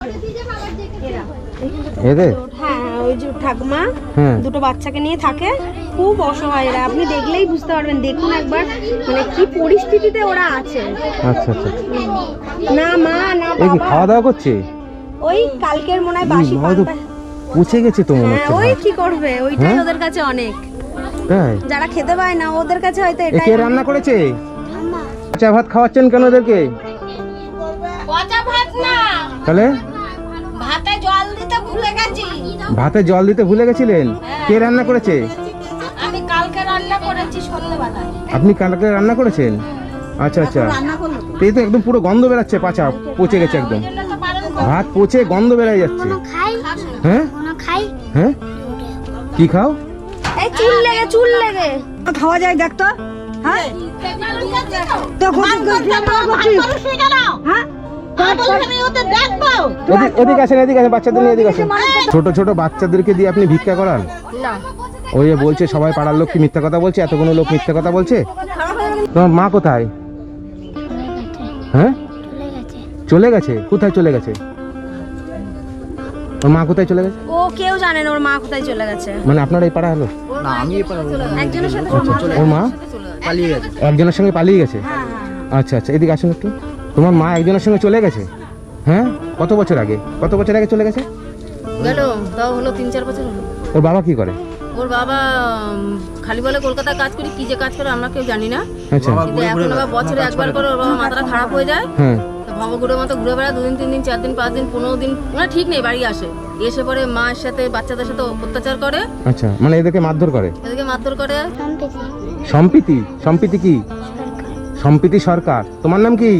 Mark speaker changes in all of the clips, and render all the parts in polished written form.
Speaker 1: এদের
Speaker 2: হ্যাঁ ওই যে ঠাকুমা দুটো বাচ্চাকে নিয়ে থাকে, খুব অসহায় এরা, আপনি দেখলেই বুঝতে পারবেন। দেখুন একবার মানে কি পরিস্থিতিতে ওরা আছে।
Speaker 1: আচ্ছা আচ্ছা,
Speaker 2: না মা না
Speaker 1: এই কি
Speaker 2: বাবা,
Speaker 1: খাওয়া দাওয়া করছে?
Speaker 2: ওই কালকের মনে হয় বাসি পান্তা।
Speaker 1: পচে গেছে তো মনে
Speaker 2: হ্যাঁ
Speaker 1: হচ্ছে।
Speaker 2: ওই কি করবে, ওইটাই ওদের কাছে অনেক।
Speaker 1: তাই
Speaker 2: যারা খেতে পায় না ওদের কাছে হয়তো এটাই।
Speaker 1: কে রান্না করেছে? পচা ভাত খাওয়াচ্ছেন কেন ওদেরকে?
Speaker 3: পচা ভাত না,
Speaker 1: তাহলে
Speaker 3: ভাতে জল দিতে ভুলে গেছি।
Speaker 1: ভাতে জল দিতে ভুলে গেছিলেন? কে রান্না করেছে?
Speaker 3: আমি কালকে রান্না করেছি সন্ধ্যাবেলায়।
Speaker 1: আপনি কালকে রান্না করেছেন? আচ্ছা আচ্ছা, এই তো একদম পুরো গন্ধ বেরাচ্ছে, পাচা পচে গেছে একদম, ভাত পচে গন্ধ বেরাই যাচ্ছে। হ্যাঁ হ্যাঁ, কি খাও?
Speaker 2: এই চুল লেগে খাওয়া যায় দেখ তো। হ্যাঁ
Speaker 1: এদিকে আসেন, এদিকে আসেন, বাচ্চাদের নিয়ে এদিকে আসেন। ছোট ছোট বাচ্চাদেরকে দিয়ে আপনি ভিক্ষা করান? ওই যে বলছে সবাই পাড়ার লোক কি মিথ্যা কথা বলছে, এতগুলো লোক মিথ্যা কথা বলছে। তোমার মা কোথায়? হ্যাঁ চলে গেছে? কোথায় চলে গেছে? ওর মা কোথায় চলে গেছে?
Speaker 2: ও কেউ জানে না ওর মা কোথায় চলে গেছে।
Speaker 1: মানে আপনার এই পাড়া হলো?
Speaker 4: না, আমি এই পাড়া
Speaker 2: একজনের সাথে
Speaker 1: ওর মা
Speaker 4: পালিয়ে গেছে।
Speaker 1: একজনের সঙ্গে পালিয়ে গেছে? আচ্ছা আচ্ছা, এদিকে আসুন একটু। তোমার মা একজনের সঙ্গে চলে গেছে? হ্যাঁ, কত বছর আগে চলে গেছে?
Speaker 5: গেল তাও হলো 3-4 বছর হলো।
Speaker 1: ওর বাবা কি করে?
Speaker 5: ওর বাবা খালি বলে কলকাতায় কাজ করি, কি যে কাজ করে আমরা কেউ জানি না।
Speaker 1: আচ্ছা
Speaker 5: কিন্তু এখন আবার বছরে একবার করে ওর বাবা মাথাটা খারাপ হয়ে যায়,
Speaker 1: হ্যাঁ,
Speaker 5: তো ভবঘুরের মতো ঘুরে বেড়ায় 2 দিন 3 দিন 4 দিন 5 দিন 15 দিন, মানে ঠিক নেই, বাড়ি আসে, এসে পরে মায়ের সাথে বাচ্চাদের সাথে অত্যাচার করে।
Speaker 1: আচ্ছা, মানে এদেরকে মারধর করে?
Speaker 5: এদেরকে মারধর করে।
Speaker 1: সম্প্রীতি কি? সম্প্রীতি সরকার। তোমার নাম কি?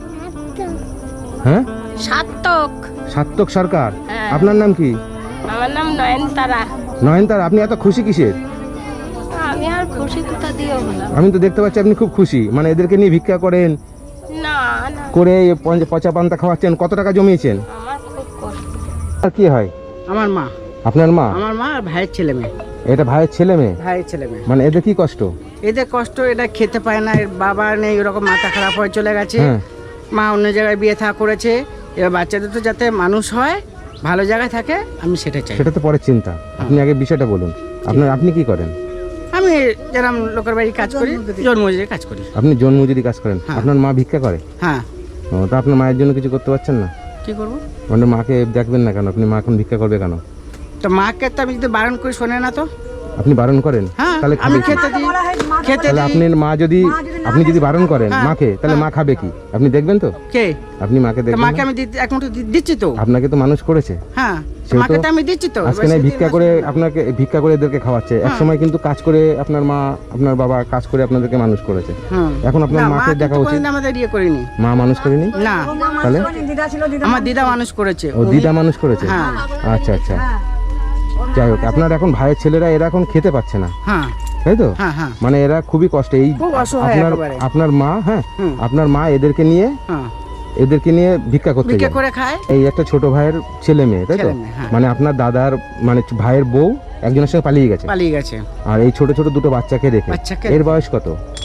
Speaker 1: হ্যাঁ, সাত্তক সরকার। আপনার নাম কি?
Speaker 3: আমার নাম নয়নতারা।
Speaker 1: নয়নতারা। আপনি এত খুশি কিসের?
Speaker 3: আমি আর খুশি কোথা দিয়ে হলাম?
Speaker 1: আমি তো দেখতে পাচ্ছি আপনি খুব খুশি, মানে এদেরকে নিয়ে ভিক্ষা করেন,
Speaker 3: না না,
Speaker 1: করে পচা পান্তা খাওয়াচ্ছেন। কত টাকা জমিয়েছেন?
Speaker 3: আমার খুব কষ্ট।
Speaker 1: আর কি হয়?
Speaker 4: আমার মা।
Speaker 1: আপনার মা?
Speaker 4: আমার মা আর ভাইয়ের ছেলে মেয়ে।
Speaker 1: এটা ভাইয়ের ছেলে মেয়ে?
Speaker 4: ভাইয়ের ছেলে মেয়ে।
Speaker 1: মানে এদের কি কষ্ট?
Speaker 4: এদের কষ্ট, এটা খেতে পায় না, এর বাবা নেই, এরকম মাথা খারাপ হয়ে চলে গেছে।
Speaker 1: হ্যাঁ।
Speaker 4: মা অন্য জায়গায় বিয়ে থা করেছে। এবার বাচ্চাদের তো যাতে মানুষ হয়, ভালো জায়গায় থাকে, আমি সেটা চাই।
Speaker 1: সেটা তো পরের চিন্তা, আপনি আগে বিষয়টা বলুন। আপনি কি করেন?
Speaker 4: আমি যেরকম লোকের বাড়ি কাজ করি, জন্মজুরি কাজ করি।
Speaker 1: আপনি জন্মজুরি কাজ করেন?
Speaker 4: হ্যাঁ।
Speaker 1: আপনার মা ভিক্ষা করে?
Speaker 4: হ্যাঁ।
Speaker 1: ও, তা আপনার মায়ের জন্য কিছু করতে পারছেন না?
Speaker 4: কি করবো?
Speaker 1: মানে মাকে দেখবেন না কেন? আপনি মা এখন ভিক্ষা করবে কেন?
Speaker 4: তো মাকে তো আমি যদি বারণ করি শোনে না তো।
Speaker 1: আপনি বারণ করেন?
Speaker 4: হ্যাঁ,
Speaker 1: তাহলে
Speaker 4: আমি
Speaker 1: খাবে কি?
Speaker 4: খেতে দিই, খেতে
Speaker 1: তাহলে
Speaker 4: দিই।
Speaker 1: আপনার মা যদি, আপনি যদি বারণ করেন
Speaker 4: হ্যাঁ।
Speaker 1: মাকে, তাহলে মা খাবে কি? আপনি দেখবেন তো?
Speaker 4: কে?
Speaker 1: আপনি মাকে
Speaker 4: তো
Speaker 1: দেখবেন
Speaker 4: মাকে
Speaker 1: না?
Speaker 4: আমি এক মুঠো দিচ্ছি তো।
Speaker 1: আপনাকে তো মানুষ করেছে।
Speaker 4: হ্যাঁ,
Speaker 1: সেও
Speaker 4: মাকে
Speaker 1: তো
Speaker 4: তো আমি দিচ্ছি তো।
Speaker 1: আজকে নাই ভিক্ষা করে আপনাকে ভিক্ষা করে এদেরকে খাওয়াচ্ছে, এক সময় কিন্তু কাজ করে আপনার মা আপনার বাবা কাজ করে আপনাদেরকে মানুষ করেছে।
Speaker 4: হুম।
Speaker 1: এখন আপনার
Speaker 4: না,
Speaker 1: মাকে
Speaker 4: মা
Speaker 1: দেখা
Speaker 4: কিন্তু
Speaker 1: উচিত।
Speaker 4: কোনোদিন আমাদের ইয়ে করিনি।
Speaker 1: মা মানুষ করেনি?
Speaker 4: না,
Speaker 1: তাহলে
Speaker 4: আমার দিদা মানুষ করেছে।
Speaker 1: ও দিদা মানুষ করেছে?
Speaker 4: হ্যাঁ।
Speaker 1: আচ্ছা আচ্ছা, যাই হোক, আপনার এখন ভাইয়ের ছেলেরা এরা এখন খেতে পাচ্ছে না,
Speaker 4: হ্যাঁ
Speaker 1: তাই তো?
Speaker 4: হ্যাঁ হ্যাঁ
Speaker 1: মানে এরা খুবই কষ্টে। এই
Speaker 4: খুব অসহায়
Speaker 1: আপনার
Speaker 4: একেবারে।
Speaker 1: আপনার মা, হ্যাঁ,
Speaker 4: হুম।
Speaker 1: আপনার মা এদেরকে নিয়ে
Speaker 4: হ্যাঁ,
Speaker 1: ভিক্ষা করতে
Speaker 4: বিক্রি
Speaker 1: যায়।
Speaker 4: করে খায়।
Speaker 1: এই একটা ছোট ভাইয়ের ছেলে মেয়ে, তাই তো?
Speaker 4: ছেলে মেয়ে, হ্যাঁ।
Speaker 1: মানে আপনার দাদার মানে ভাইয়ের বউ একজনের সঙ্গে পালিয়ে গেছে,
Speaker 4: পালিয়ে গেছে।
Speaker 1: আর এই ছোট ছোট দুটো বাচ্চাকে রেখে।
Speaker 4: বাচ্চাকে
Speaker 1: এর বয়স কত?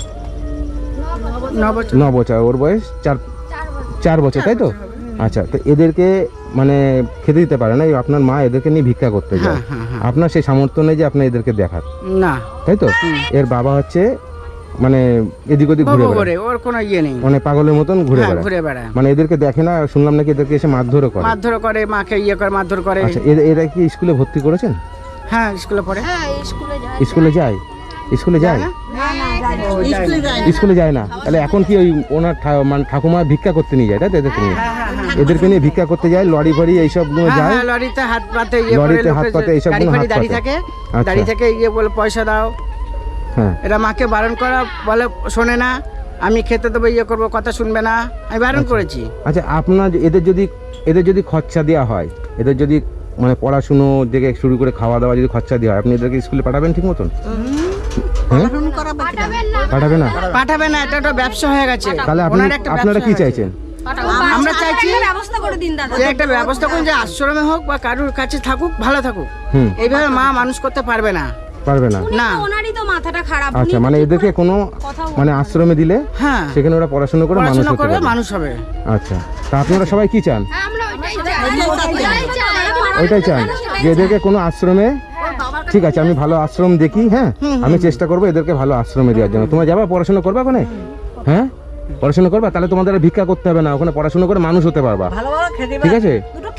Speaker 4: 9 বছর।
Speaker 1: 9 বছর। ওর বয়স 4 বছর, তাই তো? আচ্ছা, তো এদেরকে মানে খেতে দিতে পারে না, এই আপনার মা এদেরকে নিয়ে ভিক্ষা করতে যায়।
Speaker 4: হ্যাঁ, হ্যাঁ, হ্যাঁ।
Speaker 1: আপনার সেই সামর্থ্য নেই যে আপনি এদেরকে দেখার,
Speaker 4: না,
Speaker 1: তাই তো? এর বাবা হচ্ছে মানে এদিক ওদিক ঘুরে
Speaker 4: বউ
Speaker 1: বেড়ায়,
Speaker 4: করে, ওর কোনো ইয়ে নেই।
Speaker 1: মানে পাগলের মতন ঘুরে
Speaker 4: হ্যাঁ,
Speaker 1: বেড়ায়।
Speaker 4: ঘুরে বেড়ায়,
Speaker 1: মানে এদেরকে দেখে না, শুনলাম নাকি এদেরকে এসে মারধরও করে।
Speaker 4: মারধর করে, মাকে ইয়ে করে, মারধর করে।
Speaker 1: আচ্ছা, এরা কি স্কুলে ভর্তি করেছেন?
Speaker 4: হ্যাঁ, স্কুলে পড়ে।
Speaker 1: স্কুলে যায়? স্কুলে যায়? স্কুলে যায় না? তাহলে এখন কি ওই ওনার মানে ঠাকুমা ভিক্ষা করতে নিয়ে যায়, তাই তো? এদেরকে নিয়ে, এদেরকে নিয়ে ভিক্ষা করতে যায়, লরি ফরি এইসব গুলো
Speaker 4: হ্যাঁ,
Speaker 1: যায়,
Speaker 4: হ্যাঁ, লরিতে হাত পাতে ইয়ে করে,
Speaker 1: লরিতে হাত পাতে এইসব
Speaker 4: গাড়ি
Speaker 1: গুলো
Speaker 4: ফাড়ি
Speaker 1: হাত
Speaker 4: দাঁড়িয়ে
Speaker 1: পাতে।
Speaker 4: থাকে,
Speaker 1: আচ্ছা।
Speaker 4: দাঁড়িয়ে থেকে ইয়ে বলে পয়সা দাও।
Speaker 1: হ্যাঁ,
Speaker 4: এরা মাকে বারণ করা বলে শোনে না, আমি খেতে দেবো, ইয়ে করবো, কথা শুনবে না, আমি বারণ করেছি।
Speaker 1: আচ্ছা, আপনার এদের যদি খরচা দেওয়া হয়, এদের যদি মানে পড়াশুনো থেকে শুরু করে খাওয়া দাওয়া যদি খরচা দেওয়া হয়, আপনি এদেরকে স্কুলে পাঠাবেন ঠিক মতন? হ্যাঁ, পাঠাবে না?
Speaker 4: পাঠাবে না, এটা একটা ব্যবসা হয়ে গেছে।
Speaker 1: তাহলে
Speaker 4: ওনার একটা
Speaker 1: আপনারা
Speaker 4: ব্যবসা
Speaker 1: কি
Speaker 4: হয়ে গেছে।
Speaker 1: চাইছেন?
Speaker 4: আমরা চাইছি
Speaker 2: ব্যবস্থা করে দিন দাদা।
Speaker 4: যে একটা ব্যবস্থা করুন, যে আশ্রমে হোক বা কারোর কাছে থাকুক, ভালো থাকুক।
Speaker 1: হুম।
Speaker 4: এইভাবে মা মানুষ করতে পারবে না।
Speaker 1: পারবে না?
Speaker 4: না।
Speaker 2: ওনারই তো মাথাটা খারাপ।
Speaker 1: আচ্ছা, মানে এদেরকে কোনো মানে আশ্রমে দিলে
Speaker 4: হ্যাঁ,
Speaker 1: সেখানে ওরা পড়াশোনা করে মানুষ
Speaker 4: পড়াশোনা
Speaker 1: হতে
Speaker 4: করবে,
Speaker 1: পারবে।
Speaker 4: মানুষ হবে।
Speaker 1: আচ্ছা, তা আপনারা সবাই কি চান? ওইটাই চান যে এদেরকে কোনো আশ্রমে, ঠিক আছে আমি ভালো আশ্রম দেখি, হ্যাঁ আমি চেষ্টা করবো এদেরকে ভালো আশ্রমে দেওয়ার জন্য। তোমরা যাবা পড়াশোনা করবা ওখানে? হ্যাঁ পড়াশোনা করবা, তাহলে তোমাদের আর ভিক্ষা করতে হবে না, ওখানে পড়াশোনা করে মানুষ হতে পারবা, ঠিক আছে?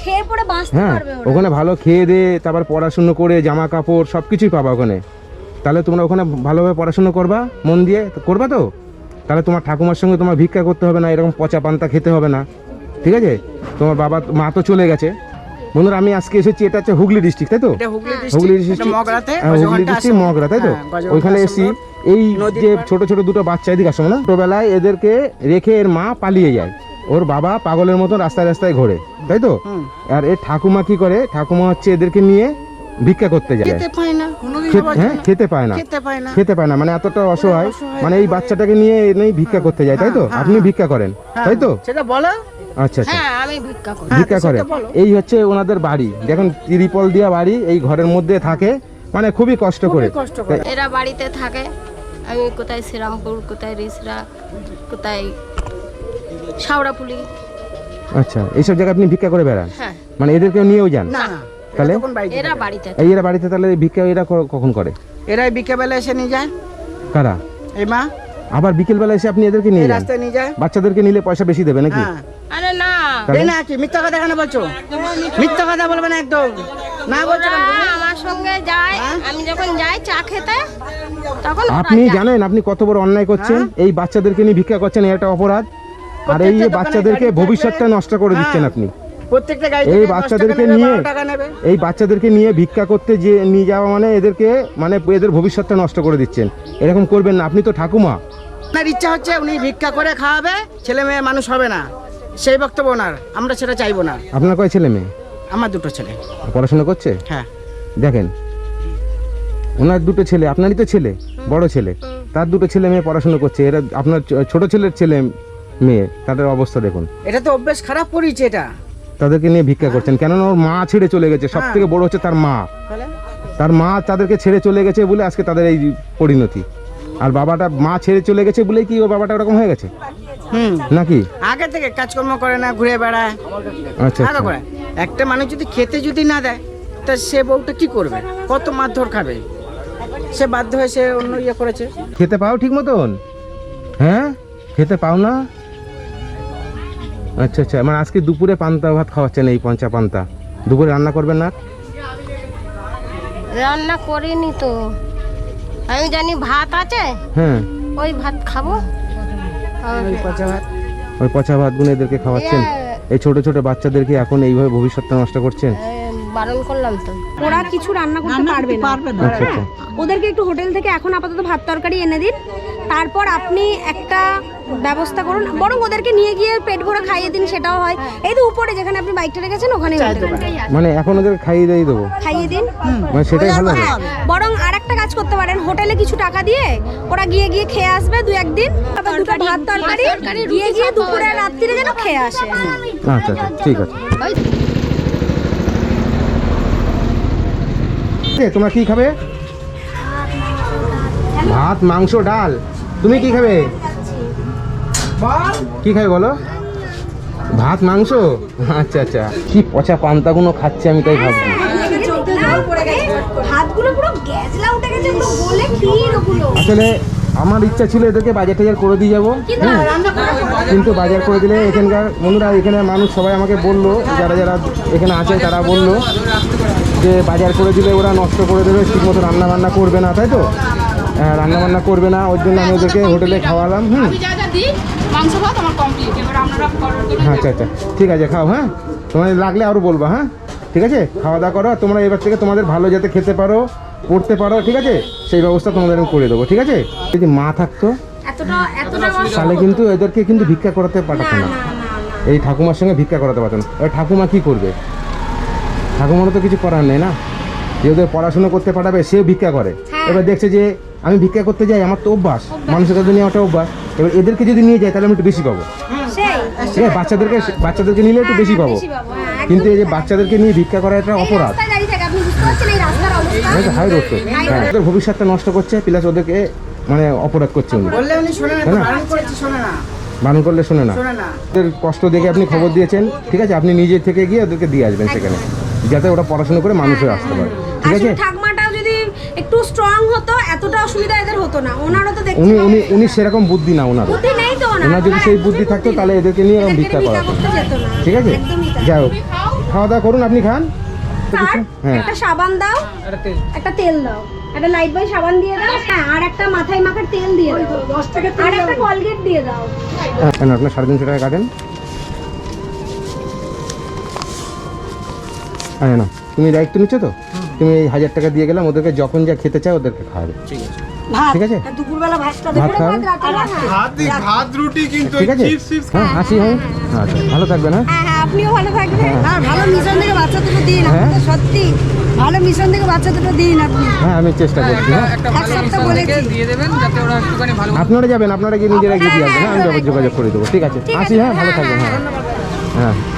Speaker 1: হ্যাঁ ওখানে ভালো খেয়ে দে, তারপর পড়াশুনো করে জামা কাপড় সব কিছুই পাবা ওখানে। তাহলে তোমরা ওখানে ভালোভাবে পড়াশুনো করবা, মন দিয়ে করবা তো, তাহলে তোমার ঠাকুমার সঙ্গে তোমার ভিক্ষা করতে হবে না, এরকম পচা পান্তা খেতে হবে না, ঠিক আছে? তোমার বাবা মা তো চলে গেছে। বন্ধুরা আমি আজকে এসেছি, এটা হচ্ছে হুগলি ডিস্ট্রিক্ট, তাই তো? হুগলি ডিস্ট্রিক্ট, হুগলি ডিস্ট্রিক্ট মগরা, তাই তো? ওইখানে এসেছি। এই যে ছোট ছোট দুটো বাচ্চা এদিকে আসো না, ছোটবেলায় এদেরকে রেখে এর মা পালিয়ে যায়, ওর বাবা পাগলের মতো রাস্তায় রাস্তায় ঘোরে, তাই তো? আর এর ঠাকুমা কি করে, ঠাকুমা হচ্ছে এদেরকে নিয়ে ভিক্ষা করতে যায়, হ্যাঁ খেতে পায় না, মানে এতটা অসহায়, মানে এই বাচ্চাটাকে নিয়ে এনেই ভিক্ষা করতে যায়, তাই তো? আপনি ভিক্ষা করেন, তাই তো?
Speaker 4: সেটা বলো।
Speaker 1: আচ্ছা আচ্ছা,
Speaker 3: হ্যাঁ আমি ভিক্ষা করি।
Speaker 1: ভিক্ষা করে। এই হচ্ছে ওনাদের বাড়ি, দেখুন ত্রিপল দিয়া বাড়ি, এই ঘরের মধ্যে থাকে, মানে খুবই কষ্ট করে।
Speaker 3: এরা বাড়িতে থাকে, আমি কোথায় শ্রীরামপুর, কোথায় রিসরা, কোথায় শাওড়াপুলি।
Speaker 1: আচ্ছা এইসব জায়গায় আপনি ভিক্ষা করে বেড়ান?
Speaker 3: হ্যাঁ।
Speaker 1: মানে এদেরকেও নিয়েও যান?
Speaker 3: না
Speaker 1: তাহলে
Speaker 3: এরা বাড়িতে থাকে।
Speaker 1: এই এরা বাড়িতে, তাহলে ভিক্ষা এরা কখন করে?
Speaker 4: এরাই বিকেলবেলা এসে নিয়ে যায়।
Speaker 1: কারা?
Speaker 4: এই মা
Speaker 1: আবার বিকেল বেলা এসে আপনি এদেরকে নিয়ে যান?
Speaker 4: রাস্তায় নিয়ে যায়।
Speaker 1: বাচ্চাদেরকে নিলে পয়সা বেশি দেবে নাকি?
Speaker 3: আরে না
Speaker 1: তাহলে?
Speaker 4: এই না কি মিথ্যা কথা কেন বলছো? মিথ্যা কথা বলবে না একদম, না বলছো কেন?
Speaker 3: ওরা আমার সঙ্গে যায়, আমি যখন যাই চা খেতে তখন ওরা
Speaker 1: আপনি
Speaker 3: যায়।
Speaker 1: জানেন আপনি কত বড় অন্যায় করছেন? এই বাচ্চাদেরকে নিয়ে ভিক্ষা করছেন, এটা অপরাধ। আর এই যে বাচ্চাদেরকে ভবিষ্যৎটা নষ্ট করে দিচ্ছেন আপনি।
Speaker 4: প্রত্যেকটা গাড়ি
Speaker 1: এই বাচ্চাদেরকে নিয়ে, এই বাচ্চাদেরকে নিয়ে ভিক্ষা করতে যে নিয়ে যাওয়া মানে এদেরকে, মানে এদের ভবিষ্যৎটা নষ্ট করে দিচ্ছেন। এরকম করবেন না, আপনি তো ঠাকুমা।
Speaker 4: আপনার ইচ্ছা হচ্ছে উনি ভিক্ষা করে খাওয়াবে, ছেলে মেয়ে মানুষ হবে না, সেই বক্তব্য ওনার, আমরা সেটা চাইবো না।
Speaker 1: আপনার কয় ছেলে মেয়ে?
Speaker 4: আমার দুটো ছেলে।
Speaker 1: পড়াশোনা করছে?
Speaker 4: হ্যাঁ।
Speaker 1: দেখেন ওনার দুটো ছেলে, আপনারই তো ছেলে, বড় ছেলে, তার দুটো ছেলে মেয়ে পড়াশোনা করছে, এরা আপনার ছোট ছেলের ছেলে মেয়ে, তাদের অবস্থা দেখুন।
Speaker 4: এটা তো অভ্যেস খারাপ করেছে এটা।
Speaker 1: তাদেরকে নিয়ে ভিক্ষা করছেন, কেননা ওর মা ছেড়ে চলে গেছে, সব থেকে বড় হচ্ছে তার মা। তার মা তাদেরকে ছেড়ে চলে গেছে বলে আজকে তাদের এই পরিণতি। আর বাবাটা, মা ছেড়ে চলে গেছে বলেই কি ওর বাবাটা ওরকম হয়ে গেছে নাকি?
Speaker 4: আগে থেকে কাজকর্ম করে না, ঘুরে বেড়ায়।
Speaker 1: আচ্ছা
Speaker 4: আগে করে একটা মানুষ যদি খেতে যদি না দেয়, তা সে বউটা কি করবে? কত মারধর খাবে? সে বাধ্য হয়ে সে অন্য ইয়ে করেছে।
Speaker 1: খেতে পাও ঠিক মতন? হ্যাঁ খেতে পাও না? আচ্ছা আচ্ছা, মানে আজকে দুপুরে পান্তা ভাত খাওয়াচ্ছেন, এই পঞ্চা পান্তা। দুপুরে রান্না করবেন না?
Speaker 3: রান্না করিনি তো, আমি জানি ভাত আছে,
Speaker 1: হ্যাঁ
Speaker 3: ওই ভাত খাবো।
Speaker 1: ওই পচা ভাতগুলো এদেরকে খাওয়াচ্ছেন, এই ছোট ছোট বাচ্চাদেরকে এখন এইভাবে ভবিষ্যৎটা নষ্ট করছেন।
Speaker 3: বারণ করলাম তো।
Speaker 2: ওরা কিছু রান্না করতে পারবে না।
Speaker 1: আচ্ছা আচ্ছা,
Speaker 2: ওদেরকে একটু হোটেল থেকে এখন আপাতত ভাত তরকারি এনে দিন, তারপর আপনি একটা ব্যবস্থা করুন, বরং ওদেরকে নিয়ে গিয়ে পেট ভরে খাইয়ে দিন, সেটাও হয়। এই তো উপরে যেখানে আপনি বাইকটা রেখেছেন ওখানে
Speaker 1: মানে এখন ওদের খাইয়ে দিয়ে দেবো,
Speaker 2: খাইয়ে দিন।
Speaker 1: মানে সেটাই ভালো হবে।
Speaker 2: হ্যাঁ, বরং আরেকটা কাজ করতে পারেন, হোটেলে কিছু টাকা দিয়ে ওরা গিয়ে গিয়ে খেয়ে আসবে দু একদিন, তারপর দুটো ভাত তরকারি গিয়ে গিয়ে দুপুরে রাত্রিরে যেন খেয়ে আসে।
Speaker 1: আচ্ছা আচ্ছা ঠিক আছে। তোমরা কি খাবে? ভাত, মাংস, ডাল। তুমি কি খাবে? কি খাবে বলো? ভাত, মাংস? আচ্ছা আচ্ছা, কি পচা পান্তাগুলো খাচ্ছে আমি তাই ভাবছি।
Speaker 2: হাতগুলো পুরো গ্যাজলা উঠে গেছে, পুরো গলে ক্ষীর ওগুলো।
Speaker 1: আসলে আমার ইচ্ছা ছিল এদেরকে বাজার টাজার করে দিয়ে যাবো, কিন্তু বাজার করে দিলে এখানকার বন্ধুরা, এখানে মানুষ সবাই আমাকে বললো, যারা যারা এখানে আছে তারা বললো যে বাজার করে দিলে ওরা নষ্ট করে দেবে, ঠিকমতো রান্না বান্না করবে না, তাই তো? রান্না বান্না করবে না, ওই জন্য আমি ওদেরকে হোটেলে খাওয়ালাম। আচ্ছা আচ্ছা ঠিক আছে, খাও। হ্যাঁ তোমার লাগলে আরও বলবো। হ্যাঁ ঠিক আছে, খাওয়া দাওয়া করো তোমরা, এবার থেকে তোমাদের ভালো যাতে খেতে পারো, পড়তে পারো, ঠিক আছে? সেই ব্যবস্থা তোমাদের আমি করে দেবো, ঠিক আছে? যদি মা থাকতো তাহলে কিন্তু এদেরকে কিন্তু ভিক্ষা করাতে পাঠাতো না, এই ঠাকুমার সঙ্গে ভিক্ষা করাতে পারতো না। এবার ঠাকুমা কি করবে? ঠাকুমারও তো কিছু করার নেই না, যে ওদের পড়াশুনো করতে পাঠাবে, সেও ভিক্ষা করে। এবার দেখছে যে আমি ভিক্ষা করতে যাই, আমার তো অভ্যাস, মানুষের কাছে নিয়ে একটা অভ্যাস। এবার এদেরকে যদি নিয়ে যাই তাহলে আমি একটু বেশি পাবো, ঠিক আছে? বাচ্চাদেরকে নিলে একটু বেশি পাবো, কিন্তু এই যে বাচ্চাদেরকে নিয়ে ভিক্ষা করা এটা অপরাধ, হাই রোড তো। হ্যাঁ, ওদের ভবিষ্যৎটা নষ্ট করছে, প্লাস ওদেরকে মানে অপরাধ করছে উনি,
Speaker 4: বললে উনি শোনে না,
Speaker 1: তাই না?
Speaker 4: বারণ করেছি, শোনে না।
Speaker 1: বারণ করলে শোনে না।
Speaker 4: শোনে না।
Speaker 1: ওদের কষ্ট দেখে আপনি খবর দিয়েছেন, ঠিক আছে, আপনি নিজে থেকে গিয়ে ওদেরকে দিয়ে আসবেন সেখানে, যাতে ওরা পড়াশোনা করে মানুষ হয়ে আসতে পারে, ঠিক আছে।
Speaker 2: আসলে ঠাকমাটাও যদি একটু স্ট্রং হতো এতটা অসুবিধা এদের হতো না। ওনারও তো দেখছি
Speaker 1: উনি উনি উনি সেরকম বুদ্ধি না ওনার,
Speaker 2: বুদ্ধি নেই তো
Speaker 1: ওনার যদি সেই বুদ্ধি থাকতো তাহলে এদেরকে নিয়ে এরকম ভিক্ষা করা হতো,
Speaker 2: করতে যেত না।
Speaker 1: ঠিক আছে।
Speaker 2: একদমই তাই।
Speaker 1: যাই হোক, খাওয়া দাওয়া করুন, আপনি খান।
Speaker 2: স্যার,
Speaker 1: হ্যাঁ।
Speaker 2: একটা সাবান দাও, একটা তেল দাও, একটা লাইট বয় সাবান দিয়ে দাও, হ্যাঁ, আর একটা মাথায় মাখার তেল দিয়ে দাও, আর একটা কলগেট দিয়ে দাও।
Speaker 1: কেন আপনার 350 টাকা কাটেন। হ্যাঁ না, তুমি দায়িত্ব নিচ্ছ তো, তুমি এই 1000 টাকা দিয়ে গেলাম, ওদেরকে যখন যা খেতে চায় ওদেরকে খাওয়াবে, ঠিক আছে।
Speaker 2: দুপুরবেলা ভাতটা
Speaker 1: ভাত খাওয়াবে,
Speaker 6: ভাত রুটি কিন্তু
Speaker 1: ঠিক আছে। হ্যাঁ, আসি, হ্যাঁ, আচ্ছা, ভালো থাকবেন। হ্যাঁ,
Speaker 2: হ্যাঁ হ্যাঁ, আপনিও ভালো থাকবেন।
Speaker 1: হ্যাঁ।
Speaker 2: ভালো মিশন থেকে বাচ্চা দুটো দিন,
Speaker 1: হ্যাঁ।
Speaker 2: আপনাদের সত্যি ভালো মিশন থেকে বাচ্চা দুটো দিন আপনি।
Speaker 1: হ্যাঁ, আমি চেষ্টা করছি। হ্যাঁ,
Speaker 2: এক সপ্তাহ বলেছি।
Speaker 1: আপনারা যাবেন, আপনারা গিয়ে নিজেরা গিয়ে দিয়ে আসবেন। হ্যাঁ, আমি যোগাযোগ করে দেবো, ঠিক আছে। আসি, হ্যাঁ, ভালো থাকবেন। হ্যাঁ, হ্যাঁ।